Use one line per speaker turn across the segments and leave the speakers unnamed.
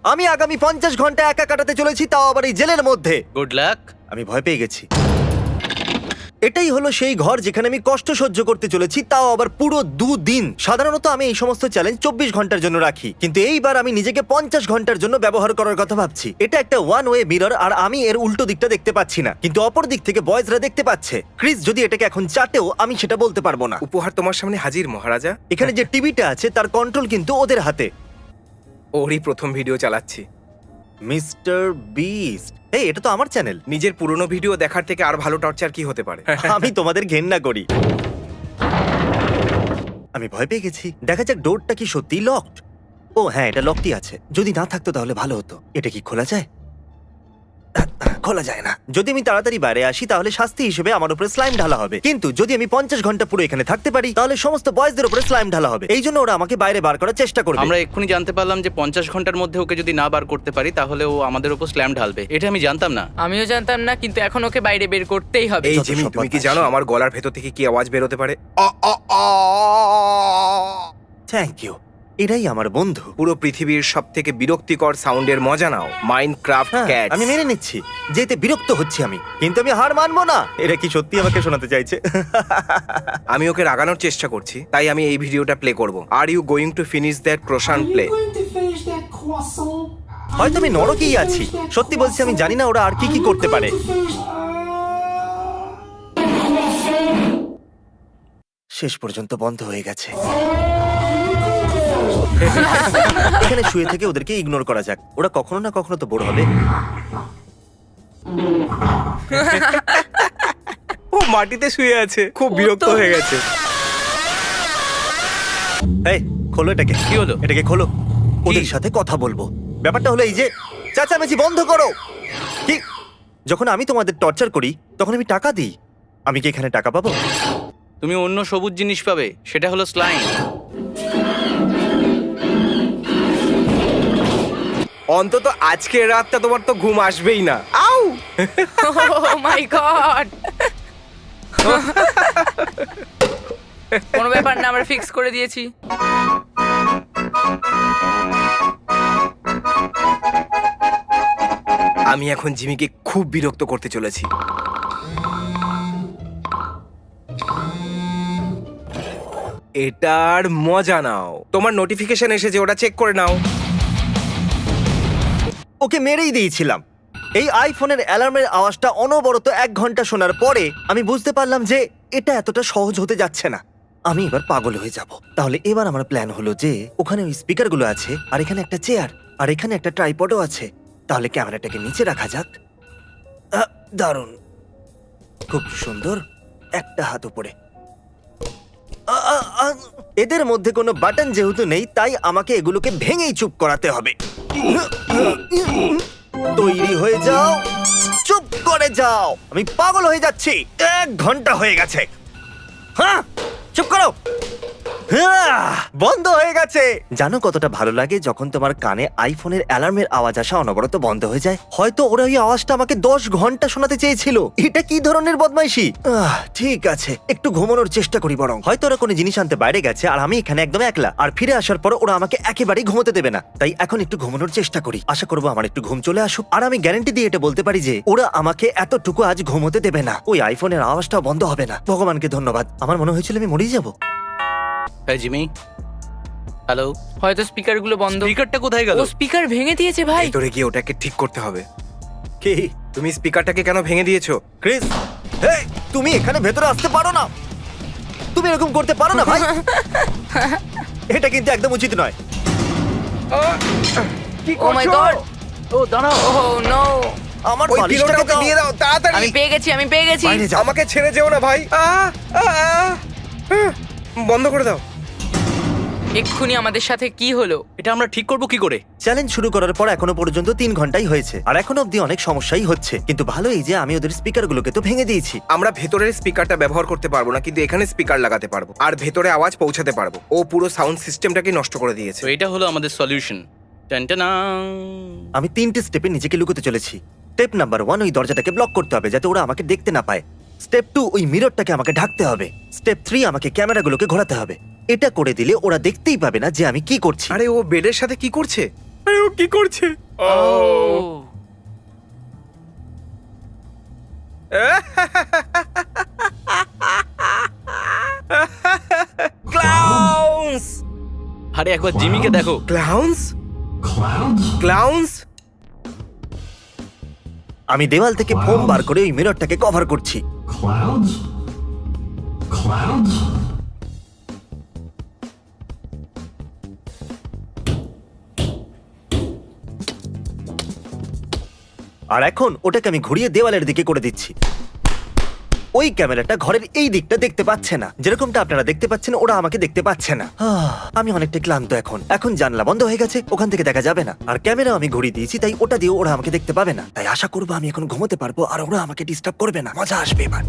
আমি আগামী 50 ঘন্টা একা কাটাতে চলেছি, তাও আবার এই জেলের মধ্যে।
Good luck.
আমি ভয় পেয়ে গেছি। এটাই হলো সেই ঘর যেখানে আমি কষ্ট সহ্য করতে চলেছি, তাও আবার পুরো 2 দিন। সাধারণত আমি এই সমস্ত চ্যালেঞ্জ 24 ঘন্টার জন্য রাখি, কিন্তু এইবার আমি নিজেকে 50 ঘন্টার জন্য ব্যবহার করার কথা ভাবছি। এটা একটা ওয়ান ওয়ে মিরর, আর আমি এর উল্টো দিকটা দেখতে পাচ্ছি না, কিন্তু অপর দিক থেকে বয়েজরা দেখতে পাচ্ছে। ক্রিস যদি এটাকে এখন চাটেও, আমি সেটা বলতে পারবো না।
উপহার তোমার সামনে হাজির মহারাজা।
এখানে যে টিভিটা আছে তার কন্ট্রোল কিন্তু ওদের হাতে।
ওরই প্রথম ভিডিও চালাচ্ছি।
মিস্টার বিস্ট, এই এটা তো আমার চ্যানেল।
নিজের পুরনো ভিডিও দেখার থেকে আর ভালো টর্চার কি হতে পারে?
আমি তোমাদের ঘেন্না করি। আমি ভয় পেয়ে গেছি। দেখা যাক ডোরটা কি সত্যি লকড। ও হ্যাঁ, এটা লকটি আছে। যদি না থাকতো তাহলে ভালো হতো। এটা কি খোলা যায়? খোলা যায় না। যদি আমি তাড়াতাড়ি বাইরে আসি তাহলে শাস্তি হিসেবে আমার উপরে স্লাইম ঢালা হবে, কিন্তু যদি আমি 50 ঘন্টা পুরো এখানে থাকতে পারি তাহলে সমস্ত বয়েজদের উপরে স্লাইম ঢালা হবে। এই জন্য ওরা আমাকে বাইরে বার করার চেষ্টা করবে।
আমরা এক্ষুনি জানতে পারলাম যে 50 ঘন্টার মধ্যে ওকে যদি না বার করতে পারি তাহলে ও আমাদের উপর স্ল্যাম ঢালবে। এটা আমি জানতাম না।
আমিও জানতাম না, কিন্তু এখন ওকে বাইরে বের করতেই হবে।
এই
যত
জিমি,
সব
তুমি কি
বদমাইশ।
জানো আমার গলার ভেতর থেকে কি আওয়াজ বেরোতে পারে?
থ্যাংক ইউ, এটাই আমার বন্ধু।
পুরো পৃথিবীর সব থেকে বিরক্তিকর সাউন্ডের মজা নাও, মাইনক্রাফট
হ্যাঁ,
ক্যাট।
আমি মেনে নিচ্ছি যেতে বিরক্ত হচ্ছি আমি, কিন্তু আমি হার মানবো না। এটা কি সত্যি আমাকে শোনাতে চাইছে?
আমি ওকে রাগানোর চেষ্টা করছি, তাই আমি এই ভিডিওটা প্লে করব। Are you going to finish that croissant play?
হয়তো আমি নরকেই আছি। সত্যি বলছি, আমি জানি না ওরা আর কি কি করতে পারে। শেষ পর্যন্ত বন্ধ হয়ে গেছে। এখানে শুয়ে থেকে ওদেরকে ইগনোর করা যাক। ওরা কখনো না কখনো তো বোর হবে।
ও মাটিতে শুয়ে আছে, খুব বিরক্ত হয়ে গেছে।
এই খোলো এটাকে।
কি হলো?
এটাকে খোলো, ওদের সাথে কথা বলবো। ব্যাপারটা হলো এই যে, চেঁচামেচি বন্ধ করো। কি? যখন আমি তোমাদের টর্চার করি তখন আমি টাকা দিই। আমি কি এখানে টাকা পাবো?
তুমি অন্য সবুজ জিনিস পাবে, সেটা হলো স্লাইম।
অন্তত আজকের রাতটা তোমার তো ঘুম আসবেই না। আউ!
Oh my God! কোনো ব্যাপার না, আমরা ফিক্স করে দিয়েছি।
আমি এখন জিমিকে খুব বিরক্ত করতে চলেছি। এটার মজা নাও। তোমার নোটিফিকেশন এসেছে, ওটা চেক করে নাও।
ওকে মেরেই দিয়েছিলাম। এই আইফোনের অ্যালার্মের আওয়াজটা অনবরত 1 ঘন্টা শোনার পরে আমি বুঝতে পারলাম যে এটা এতটা সহজ হতে যাচ্ছে না। আমি এবার পাগল হয়ে যাব। তাহলে এবার আমার প্ল্যান হলো যে ওখানে ওই স্পিকারগুলো আছে, আর এখানে একটা চেয়ার, আর এখানে একটা ট্রাইপডও আছে। তাহলে ক্যামেরাটাকে নিচে রাখা যাক। দারুণ, খুব সুন্দর। একটা হাত উপরে। এদের মধ্যে কোনো বাটন যেহেতু নেই, তাই আমাকে এগুলোকে ভেঙেই চুপ করাতে হবে। তৈরি হয়ে যাও, চুপ করে যাও। আমি পাগল হয়ে যাচ্ছি। 1 ঘন্টা হয়ে গেছে। হ্যাঁ, চুপ করো। বন্ধ হয়ে গেছে। জানো কতটা ভালো লাগে যখন তোমার কানে আইফোনের অ্যালার্মের আওয়াজ আসা অনবরত বন্ধ হয়ে যায়? হয়তো ওরা ওই আওয়াজটা আমাকে 10 ঘন্টা শোনাতে চেয়েছিল। এটা কি ধরনের বদমাইশি? ঠিক আছে, একটু ঘুমানোর চেষ্টা করি বরং। হয়তো ওরা কোনো জিনিস আনতে বাইরে গেছে আর আমি এখানে একদম একলা, আর ফিরে আসার পর ওরা আমাকে একেবারেই ঘুমোতে দেবে না। তাই এখন একটু ঘুমানোর চেষ্টা করি। আশা করবো আমার একটু ঘুম চলে আসুক, আর আমি গ্যারান্টি দিয়ে এটা বলতে পারি যে ওরা আমাকে এতটুকু আজ ঘুমোতে দেবে না। ওই আইফোনের আওয়াজটাও বন্ধ হবে না। ভগবানকে ধন্যবাদ। আমার মনে হয়েছিল আমি মরেই যাবো।
হ্যাঁ জিমি, হ্যালো।
হয়তো স্পিকারগুলো বন্ধ।
স্পিকারটা কোথায় গেল?
ও স্পিকার ভেঙে দিয়েছে ভাই।
ভেতরে গিয়ে ওটাকে ঠিক করতে হবে।
কি?
তুমি স্পিকারটাকে কেন ভেঙে দিয়েছো?
ক্রিস, হেই, তুমি এখানে ভেতরে আসতে পারো না। তুমি এরকম করতে পারো না ভাই। এটা কিন্তু একদম উচিত নয়।
কি
ও মাই গড!
ও দাঁড়াও।
Oh no!
আমার
ওই
বালিশটাকে
পিলোটা ওকে
দাও।
দিয়ে দাও তাড়াতাড়ি।
আমি পেয়ে গেছি, আমি পেয়ে গেছি।
বাইরে যাও।
আমাকে ছেড়ে যেও না ভাই। বন্ধ করে দাও।
এক্ষুনি আমাদের সাথে কি হলো?
এটা আমরা ঠিক করব কি করে?
চ্যালেঞ্জ শুরু করার পর এখনো পর্যন্ত 3 ঘন্টাই হয়েছে, আর এখনো অব্দি অনেক সমস্যাই হচ্ছে। কিন্তু ভালো এই যে আমি ওদের স্পিকারগুলোকে তো ভেঙে দিয়েছি।
আমরা ভেতরের স্পিকারটা ব্যবহার করতে পারবো না, কিন্তু এখানে স্পিকার লাগাতে পারবো আর ভেতরে আওয়াজ পৌঁছাতে পারবো। ও পুরো সাউন্ড সিস্টেমটাকে নষ্ট করে দিয়েছে।
তো এটা হলো আমাদের সলিউশন। টানটানা।
আমি 3টে স্টেপে নিজেকে লুকোতে চলেছি। স্টেপ নাম্বার 1, ওই দরজাটাকে ব্লক করতে হবে যাতে ওরা আমাকে দেখতে না পায়। স্টেপ 2, ওই মিররটাকে আমাকে ঢাকতে হবে। স্টেপ 3, আমাকে ক্যামেরাগুলোকে ঘোরাতে হবে। এটা করে দিলে ওরা দেখতেই পাবে না যে আমি কি করছি।
আরে ও বেডের সাথে কি করছে? আরে ও কি করছে?
Oh
clowns!
আরে একবার জিমিকে দেখো।
ক্লাউন্স? ক্লাউন্স?
আমি দেওয়াল থেকে ফোম বার করে ওই মিররটাকে কভার করছি।
Clouds? Clouds?
আর এখন ওটাকে আমি ঘুরিয়ে দেওয়ালের দিকে করে দিচ্ছি। ওই ক্যামেরাটা ঘরের এই দিকটা দেখতে পাচ্ছে না, যেরকমটা আপনারা দেখতে পাচ্ছেন ওরা আমাকে দেখতে পাচ্ছে না। আমি অনেকটা ক্লান্ত এখন জানলা বন্ধ হয়ে গেছে, ওখান থেকে দেখা যাবে না। আর ক্যামেরা আমি ঘুরিয়ে দিয়েছি, তাই ওটা দিয়ে ওরা আমাকে দেখতে পাবে না। তাই আশা করবো আমি এখন ঘুমোতে পারবো আর ওরা আমাকে ডিস্টার্ব করবে না। মজা আসবে এবার।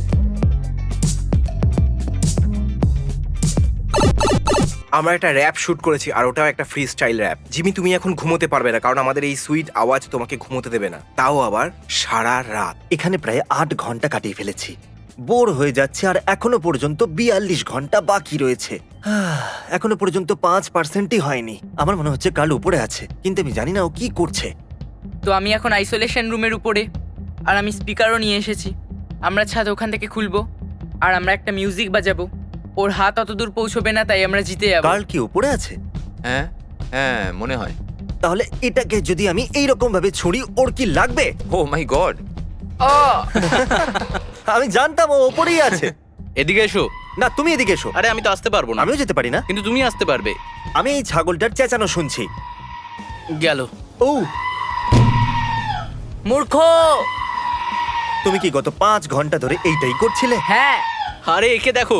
আমরা একটা র্যাপ শুট করেছি আর ওটাও একটা ফ্রি স্টাইল র্যাপ। জিমি, তুমি এখন ঘুমোতে পারবে না কারণ আমাদের এই সুইট আওয়াজ তোমাকে ঘুমোতে দেবে না, তাও আবার সারা রাত।
এখানে প্রায় 8 ঘন্টা কাটিয়ে ফেলেছি, বোর হয়ে যাচ্ছে। আর এখনো পর্যন্ত 42 ঘন্টা বাকি রয়েছে। এখনো পর্যন্ত 5%ই হয়নি। আমার মনে হচ্ছে কাল উপরে আছে, কিন্তু আমি জানি না ও কি করছে।
তো আমি এখন আইসোলেশন রুমের উপরে, আর আমি স্পিকারও নিয়ে এসেছি। আমরা ছাদ ওখান থেকে খুলবো আর আমরা একটা মিউজিক বাজাবো। ওর হাত অত দূর পৌঁছবে না, তাই আমরা জিতে যাবো।
কাল কি উপরে আছে?
হ্যাঁ হ্যাঁ মনে হয়।
তাহলে এটাকে যদি আমি এইরকম ভাবে ছুঁড়ি, ওর কি লাগবে?
ও মাই গড।
ও
আমি জানতাম ও ওপরেই আছে।
এদিকে এসো।
না, তুমি এদিকে এসো।
আরে আমি তো আসতে পারবো না।
আমিও যেতে পারি না।
কিন্তু তুমি আসতে পারবে।
আমি এই ছাগলটার চেঁচানো শুনছি।
গেল।
ও,
মূর্খ!
তুমি কি গত 5 ঘন্টা ধরে এইটাই করছিলে?
হ্যাঁ,
আরে একে দেখো।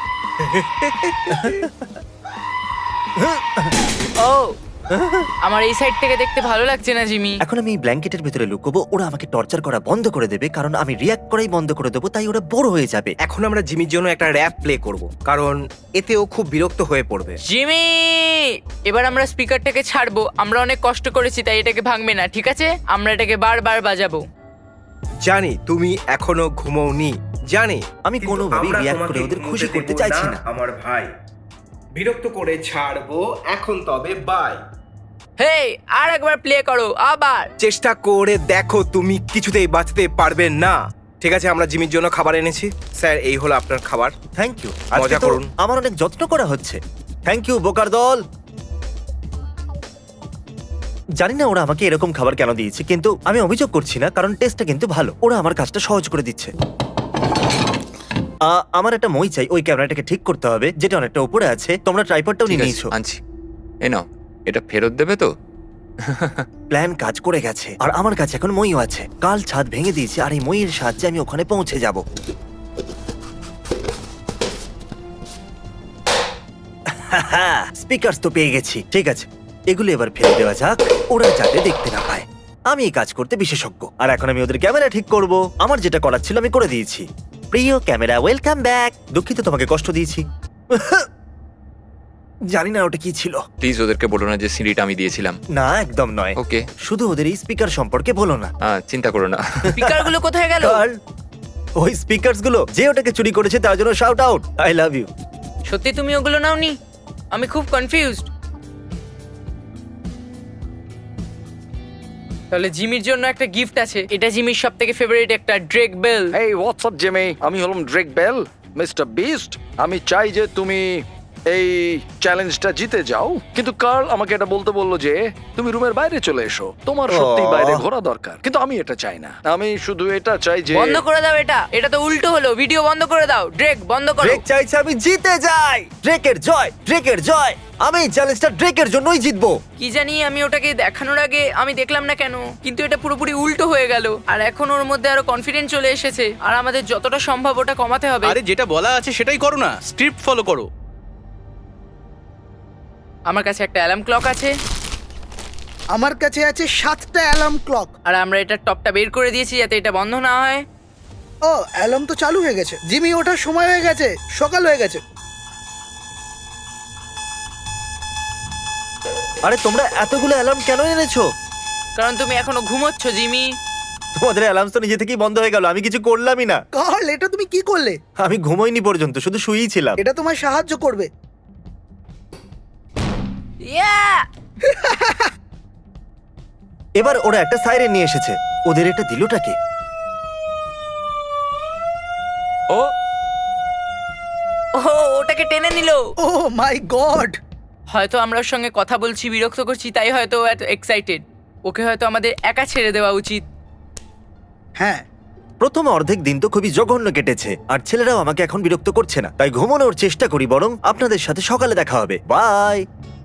ও আমার এই সাইড থেকে দেখতে ভালো লাগছে না জিমি।
এখন আমি এই ব্ল্যাঙ্কেটের ভিতরে লুকোবো। ওরা আমাকে টর্চার করা বন্ধ করে দেবে, কারণ আমি রিয়াক্ট করাই বন্ধ করে দেবো। তাই ওরা বড় হয়ে যাবে।
এখন আমরা জিমির জন্য একটা র্যাপ প্লে করব কারণ এতেও খুব বিরক্ত হয়ে পড়বে।
জিমি, এবার আমরা স্পিকারটাকে ছাড়বো। আমরা অনেক কষ্ট করেছি, তাই এটাকে ভাঙবে না, ঠিক আছে? আমরা এটাকে বারবার বাজাবো।
জানি তুমি এখনো ঘুমোওনি, জানি।
আমি কোনোভাবেই রিয়াক্ট করে ওদের খুশি করতে চাইছি না।
আমার ভাই, বিরক্ত করে ছাড়বো এখন, তবে বাই।
হেই, আর একবার প্লে করো, আবার।
চেষ্টা করে দেখো, তুমি কিছুতেই বাঁচতে পারবে না। ঠিক আছে, আমরা জিমির জন্য খাবার এনেছি। স্যার, এই হলো আপনার খাবার।
Thank you.
মজা করুন।
আমার অনেক যত্ন করা হচ্ছে। থ্যাংক ইউ বোকার দল। জানি না ওরা আমাকে এরকম খাবার কেন দিয়েছে, কিন্তু আমি অভিযোগ করছি না, কারণ টেস্টটা কিন্তু ভালো। ওরা আমার কাজটা সহজ করে দিচ্ছে। আমার একটা মই চাই। ওই ক্যামেরাটাকে ঠিক করতে হবে, যেটা অনেকটা উপরে আছে। তোমরা ট্রাইপডটাও
ঠিক
নিয়ে
আছে,
নিয়েছো।
আনছি। এই নাও, এটা ফেরত দেবে তো?
প্ল্যান কাজ করে গেছে, আর আমার কাছে এখন মইও আছে। কাল ছাদ ভেঙে দিয়েছে, আর এই মইয়ের সাহায্যে আমি ওখানে পৌঁছে যাব। স্পিকারস তো পেয়ে গেছি। ঠিক আছে, এগুলো এবার ফেলে দেওয়া যাক, ওরা যাতে দেখতে না পায়। আমি এই কাজ করতে বিশেষজ্ঞ, আর এখন আমি ওদের ক্যামেরা ঠিক করব। আমার যেটা করার ছিল আমি করে দিয়েছি। প্রিয় ক্যামেরা, ওয়েলকাম ব্যাক। দুঃখিত তোমাকে কষ্ট দিয়েছি। জানি না ওটা কি ছিল।
প্লিজ ওদেরকে বলো না যে সিঁড়িটা আমি দিয়েছিলাম।
না, একদম নয়।
ওকে,
শুধু ওদের এই স্পিকার সম্পর্কে বলো না।
চিন্তা করো না।
স্পিকারগুলো কোথায় গেল?
কার্ল, ওই স্পিকারস গুলো যে ওটাকে চুরি করেছে তার জন্য shout out. I love you.
সত্যি তুমি ওগুলো নাওনি? আমি খুব কনফিউজড। তাহলে জিমির জন্য একটা গিফট আছে। এটা জিমির সবথেকে ফেভারিট একটা ড্রেক বেল।
এই হোয়াটসঅ্যাপ জেমি, আমি হলাম ড্রেক বেল, মিস্টার বিস্ট। আমি চাই যে তুমি এই চ্যালেঞ্জটা জিতে যাও, কিন্তু কার্ল আমাকে এটা বলতে বললো যে তুমি রুমের বাইরে চলে এসো। তোমার সত্যি বাইরে ঘোরা দরকার, কিন্তু আমি এটা চাই না। আমি শুধু এটা চাই যে
বন্ধ করে দাও এটা। এটা তো উল্টো হলো। ভিডিও বন্ধ করে দাও। ড্রেক বন্ধ করো।
ড্রেক চাইছে আমি জিতে যাই। ড্রেকের জয়, ড্রেকের জয়। আমি এই চ্যালেঞ্জটা ড্রেকের জন্যই জিতবো।
কি জানি, আমি ওটাকে দেখানোর আগে আমি দেখলাম না কেন, কিন্তু এটা পুরোপুরি উল্টো হয়ে গেল। আর এখন ওর মধ্যে আরো কনফিডেন্স চলে এসেছে, আর আমাদের যতটা সম্ভব ওটা কমাতে হবে।
আরে যেটা বলা আছে সেটাই করো না, স্ক্রিপ্ট ফলো করো।
আমার কাছে একটা অ্যালার্ম ক্লক আছে,
আমার কাছে আছে 7টা অ্যালার্ম ক্লক।
আর আমরা এটা টপটা বের করে দিয়েছি যাতে এটা বন্ধ না হয়।
ও, অ্যালার্ম তো চালু হয়ে গেছে। জিমি, ওঠার সময় হয়ে গেছে, সকাল হয়ে গেছে।
আরে তোমরা এতগুলো অ্যালার্ম কেন এনেছো?
কারণ তুমি এখনো ঘুমোচ্ছ জিমি।
তোমাদের অ্যালার্ম তো নিজে থেকেই বন্ধ হয়ে গেল। আমি কিছু করলামই না।
কার্ল, এটা তুমি কি করলে?
আমি ঘুমোইনি পর্যন্ত, শুধু শুয়েই ছিলাম।
এটা তোমায় সাহায্য করবে।
ইয়া!
এবার ওরা একটা সাইরেন নিয়ে এসেছে। ওদের এটা দিলটাকে।
ও
ও ওটাকে টেনে নিল।
Oh my God!
হয়তো আমরা ওর সঙ্গে কথা বলছি, বিরক্ত করছি, তাই হয়তো ও এত এক্সাইটেড। ওকে হয়তো আমাদের একা ছেড়ে দেওয়া উচিত।
হ্যাঁ,
প্রথম অর্ধেক দিন তো খুবই জঘন্য কেটেছে, আর ছেলেরাও আমাকে এখন বিরক্ত করছে না, তাই ঘুমানোর চেষ্টা করি। বরং আপনাদের সাথে সকালে দেখা হবে। বাই।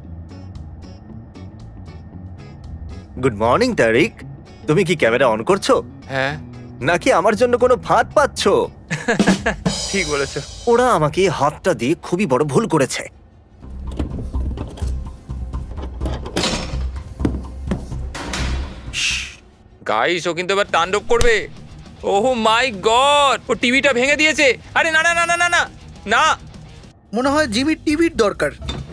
Good morning Tariq. তুমি কি ক্যামেরা অন করছো
হ্যাঁ,
নাকি আমার জন্য কোনো ফাঁদ পাচ্ছো?
ঠিক বলেছো।
ওরা আমাকে হাতটা দিয়ে খুবই বড় ভুল করেছে।
গাইস, ও কিন্তু এবার তাণ্ডব করবে। ওহ মাই গড, ও টিভিটা ভেঙে দিয়েছে। আরে না না না না না না না।
মনে হয় জিমির টিভির দরকার।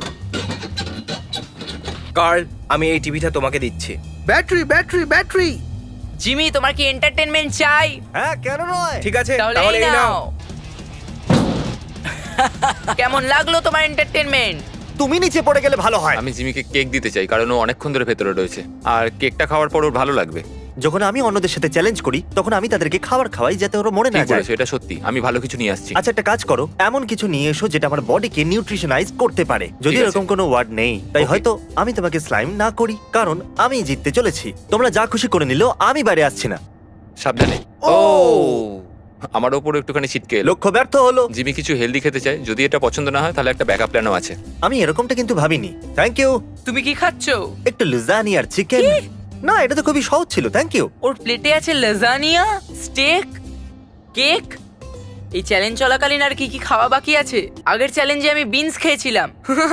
কার্ল, আমি এই টিভিটা তোমাকে দিচ্ছি।
Battery battery battery!
জিমি, তোমার কি এন্টারটেনমেন্ট চাই?
হ্যাঁ, কেন নয়?
ঠিক আছে,
তাহলে
তাহলে
এই
এই নাও।
নাও। কেমন লাগলো তোমার এন্টারটেনমেন্ট?
তুমি নিচে পড়ে গেলে ভালো হয়।
আমি জিমিকে কেক দিতে চাই, কারণ ও অনেকক্ষণ ধরে ভেতরে রয়েছে, আর কেকটা খাওয়ার পর ওর ভালো লাগবে।
যখন আমি অন্যদের সাথে চ্যালেঞ্জ করি তখন আমি তাদেরকে খাবার খাওয়াই যাতে ওরা মরে না
ঠিক
যায়।
বলেছো, এটা সত্যি। আমি ভালো কিছু নিয়ে আসছি।
আচ্ছা, একটা কাজ করো, এমন কিছু নিয়ে এসো যেটা আমার বডিকে নিউট্রিশনাইজ করতে পারে। যদি
ঠিক আছে।
এরকম কোনো ওয়ার্ড নেই, তাই
Okay.
হয়তো আমি তোমাকে স্লাইম না করি, কারণ আমি জিততে চলেছি। তোমরা যা খুশি করে নিলেও আমি বাইরে আসছি না।
সাবধানে।
ও!
ও আমার ওপর একটুখানি ছিটকে এলো।
লক্ষ্য ব্যর্থ হলো।
জিমি কিছু হেলদি খেতে চায়, যদি এটা পছন্দ না হয় তাহলে একটা ব্যাকআপ প্ল্যানও আছে।
আমি এরকমটা কিন্তু ভাবিনি। Thank you.
তুমি কি খাচ্ছো?
একটু লুজানি আর চিকেন। না, এটা তো খুবই সহজ ছিল। Thank you.
ওর প্লেটে আছে লাজানিয়া, স্টেক, কেক। এই চ্যালেঞ্জ চলাকালীন আর কি কি খাওয়া বাকি আছে? আগের চ্যালেঞ্জে আমি বিনস খেয়েছিলাম।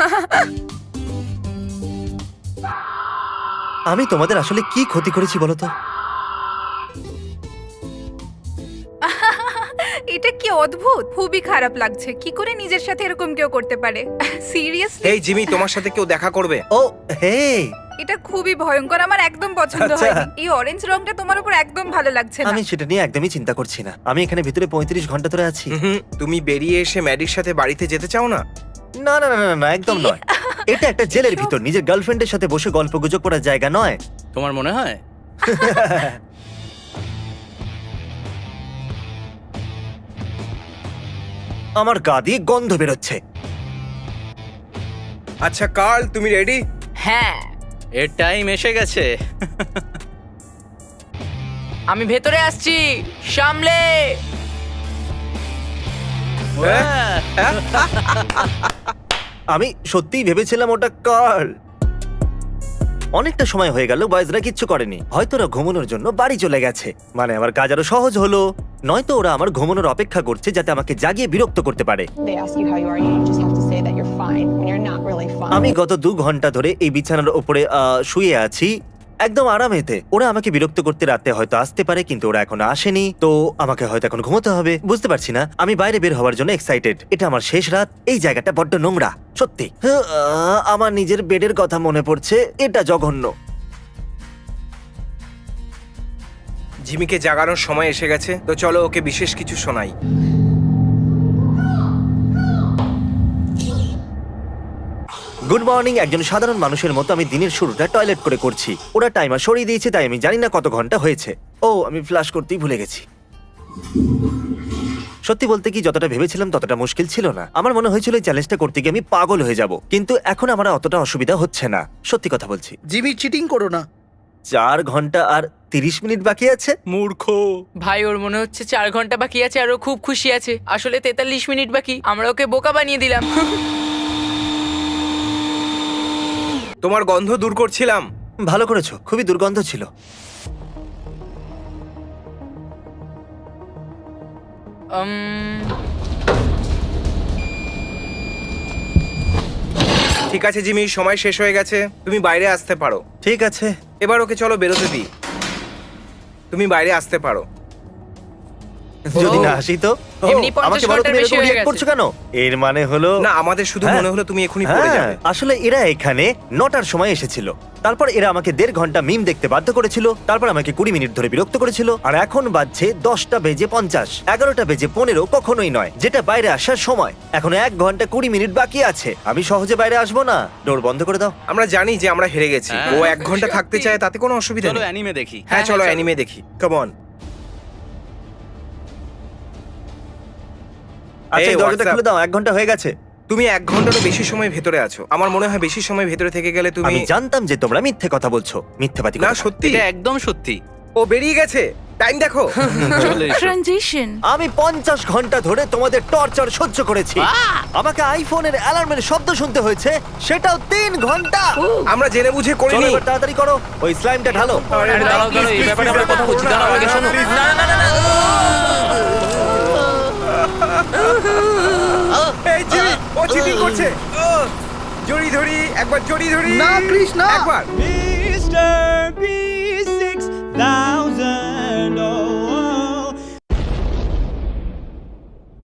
আমি তোমাদের আসলে কি ক্ষতি করেছি বলো তো?
এটা কি অদ্ভুত, খুবই খারাপ লাগছে। কি করে নিজের সাথে এরকম কেউ করতে পারে? সিরিয়াসলি,
এই জিমি, তোমার সাথে কেউ দেখা করবে।
ও হে,
এটা খুবই ভয়ঙ্কর। আমার একদম পছন্দ
আচ্ছা।
হয়নি। এই অরেঞ্জ রংটা তোমার উপর একদম ভালো লাগছে না।
আমি সেটা নিয়ে একদমই চিন্তা করছি না। আমি এখানে ভিতরে 35 ঘন্টা ধরে আছি।
তুমি বেরিয়ে এসে ম্যাডির সাথে বাড়িতে যেতে চাও না?
না না না না না, একদম
কি?
নয়। এটা একটা জেলের ভিতর নিজের গার্লফ্রেন্ডের সাথে বসে গল্প গুজব করার জায়গা নয়।
তোমার মনে হয়?
আমার গা দিয়ে গন্ধ বেরোচ্ছে।
আচ্ছা কার্ল, তুমি রেডি?
হ্যাঁ,
এর টাইম এসে গেছে।
আমি ভেতরে আসছি, সামলে।
আমি সত্যিই ভেবেছিলাম ওটা কার্ল। অনেকটা সময় হয়ে গেল বয়েজরা কিচ্ছু করেনি। হয়তো ওরা ঘুমানোর জন্য বাড়ি চলে গেছে। মানে আমার কাজ আরো সহজ হলো। নয়তো ওরা আমার ঘুমানোর অপেক্ষা করছে যাতে আমাকে জাগিয়ে বিরক্ত করতে পারে।
They ask you how you are, you just have to say that you're fine when you're not really fine.
আমি গত 2 ঘন্টা ধরে এই বিছানার উপরে শুয়ে আছি একদম আরামেতে। ওরা আমাকে বিরক্ত করতে রাতে হয়তো আসতে পারে, কিন্তু ওরা এখনো আসেনি, তো আমাকে হয়তো এখন ঘুমোতে হবে। বুঝতে পারছি না। আমি বাইরে বের হওয়ার জন্য এক্সাইটেড। এটা আমার শেষ রাত। এই জায়গাটা বড্ড নোংরা সত্যি। আমার নিজের বেডের কথা মনে পড়ছে। এটা জঘন্য।
জিমিকে জাগানোর সময় এসে গেছে, তো চলো ওকে বিশেষ কিছু শোনাই।
Good morning. একজন সাধারণ মানুষের মতো আমি দিনের শুরুটা টয়লেট করে করছি। ওরা টাইমার সরিয়ে দিয়েছে, তাই আমি জানি না কত ঘন্টা হয়েছে। ও, আমি ফ্লাশ করতেই ভুলে গেছি। সত্যি বলতে কি, যতটা ভেবেছিলাম ততটা মুশকিল ছিল না। আমার মনে হয়েছিল এই চ্যালেঞ্জটা করতে গিয়ে আমি পাগল হয়ে যাব, কিন্তু এখন আমার অতটা অসুবিধা হচ্ছে না। সত্যি কথা বলছি।
জিমি, চিটিং করো না।
4 ঘন্টা আর 30 মিনিট বাকি আছে।
মূর্খ।
ভাই, ওর মনে হচ্ছে 4 ঘন্টা বাকি আছে আর ও খুব খুশি আছে। আসলে 43 মিনিট বাকি। আমরা ওকে বোকা বানিয়ে দিলাম।
তোমার গন্ধ দূর করছিলাম।
ভালো করেছো, খুবই দুর্গন্ধ ছিল।
ঠিক আছে জিমি, সময় শেষ হয়ে গেছে, তুমি বাইরে আসতে পারো।
ঠিক আছে।
এবার ওকে চলো বেরোতে দিই। তুমি বাইরে আসতে পারো।
যদি না আসি তো
এমনি 50
আমাকে বলো
ঘন্টার
তুমি
বেশি
এরকম
হয়ে
react
গেছে।
করছো কেন? এর মানে হলো
না আমাদের শুধু
হ্যাঁ।
মনে হলো তুমি এখনই পড়ে
হ্যাঁ,
যাবে।
আসলে এরা এখানে 9টার সময় এসেছিল। তারপর এরা আমাকে 1.5 ঘন্টা মিম দেখতে বাধ্য করেছিল, তারপর আমাকে 20 মিনিট ধরে বিরক্ত করেছিল, আর এখন বাজছে 10টা বেজে 50, 11টা বেজে 15 কখনোই নয়, যেটা বাইরে আসার সময়। এখন 1 ঘন্টা 20 মিনিট বাকি আছে, আমি সহজে বাইরে আসবো না। ডোর বন্ধ করে দাও।
আমরা জানি যে আমরা হেরে গেছি।
হ্যাঁ।
ও 1 ঘন্টা থাকতে চায়, তাতে কোনো অসুবিধা
চলো
নেই।
অ্যানিমে দেখি।
হ্যাঁ চলো
চলো।
অ্যানিমে দেখি, কাম অন।
আচ্ছা,
এই,
এই দরজাটা
what's up?
খুলে দাও, 1 ঘন্টা হয়ে গেছে।
তুমি 1 ঘন্টারও বেশি সময় ভেতরে আছো। আমার মনে হয় বেশি সময় ভেতরে থেকে গেলে তুমি
আমি জানতাম যে তোমরা মিথ্যে কথা বলছো, মিথ্যেবাদী
না
কথা।
সত্যি।
এটা একদম সত্যি।
ও বেরিয়ে গেছে, টাইম দেখো।
চলে এসো।
ট্রানজিশন।
আমি 50 ঘন্টা ধরে তোমাদের টর্চার সহ্য করেছি। আমাকে আইফোনের অ্যালার্মের শব্দ শুনতে হয়েছে, সেটাও 3 ঘন্টা।
আমরা জেনে বুঝে
চলো
করিনি।
এবার তাড়াতাড়ি করো, ওই স্লাইমটা ঢালো।
আরে দাঁড়াও দাঁড়াও, এই ব্যাপারে আমরা কথা বলছি, দাঁড়াও আগে শোনো।
এই জিমি, ও চিটিং করছে। জড়ি ধরি, একবার জড়ি ধরি।
না, কৃষ, না।
একবার।
Mr. B6000